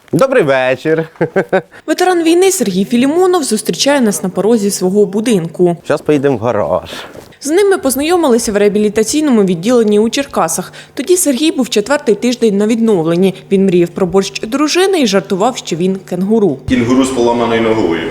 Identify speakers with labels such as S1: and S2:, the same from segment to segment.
S1: Добрий вечір.
S2: Ветеран війни Сергій Філімонов зустрічає нас на порозі свого будинку.
S1: Зараз поїдемо в гараж.
S2: З ним ми познайомилися в реабілітаційному відділенні у Черкасах. Тоді Сергій був 4-й тиждень на відновленні. Він мріяв про борщ дружини і жартував, що він кенгуру.
S3: Кінгуру з поламаною ногою.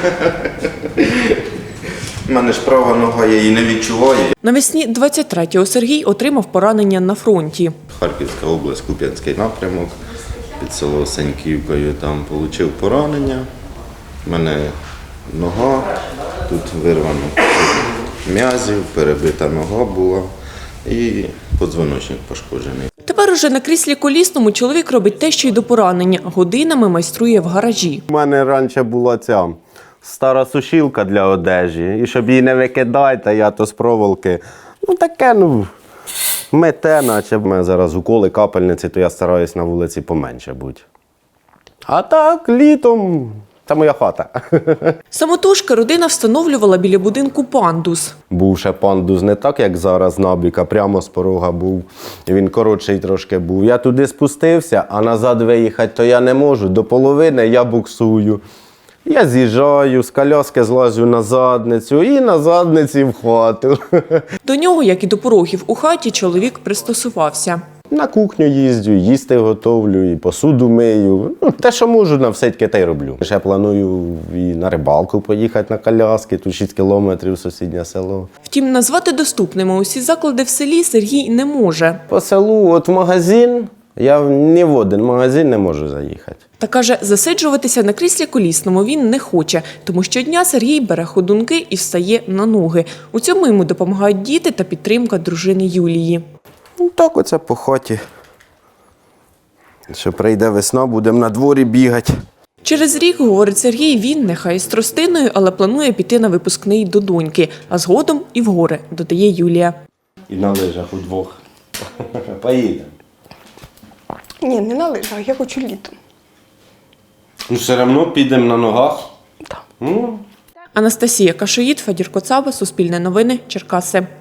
S3: У мене ж права нога, я її не відчуваю.
S2: Навесні 23-го Сергій отримав поранення на фронті.
S3: Харківська область, Куп'янський напрямок, під село Сеньківкою там отримав поранення. У мене нога, тут вирвано м'язів, перебита нога була і подзвоночник пошкоджений.
S2: Тепер уже на кріслі колісному чоловік робить те, що й до поранення. Годинами майструє в гаражі.
S1: У мене раніше була ця стара сушилка для одежі. І щоб її не викидати, я то з проволоки. Таке, мете, наче. У мене зараз уколи, капельниці, то я стараюсь на вулиці поменше бути. А так, літом, це моя хата.
S2: Самотужки родина встановлювала біля будинку пандус.
S1: Був ще пандус не так, як зараз, набік, а прямо з порога був. Він коротший трошки був. Я туди спустився, а назад виїхати то я не можу. До половини я буксую. Я з'їжджаю, з коляски злазю на задницю і на задниці в хату.
S2: До нього, як і до порогів у хаті, чоловік пристосувався.
S1: На кухню їздю, їсти готовлю, і посуду мию. Те, що можу, на все те й роблю. Ще планую і на рибалку поїхати на коляски, тут 6 кілометрів сусіднє село.
S2: Втім, назвати доступними усі заклади в селі Сергій не може.
S1: По селу, от в магазин, я ні в один магазин не можу заїхати.
S2: Та каже, засиджуватися на кріслі колісному він не хоче, тому щодня Сергій бере ходунки і встає на ноги. У цьому йому допомагають діти та підтримка дружини Юлії.
S1: Так оце по хаті. Що прийде весна, будемо на дворі бігати.
S2: Через рік, говорить Сергій, він, нехай із тростиною, але планує піти на випускний до доньки, а згодом і в гори, додає Юлія.
S1: І на лижах удвох. Поїдемо.
S4: Ні, не на лижах, я хочу літом.
S1: Все одно підемо на ногах.
S4: Так.
S2: Анастасія Кашоїд, Федір Коцаба, Суспільне новини, Черкаси.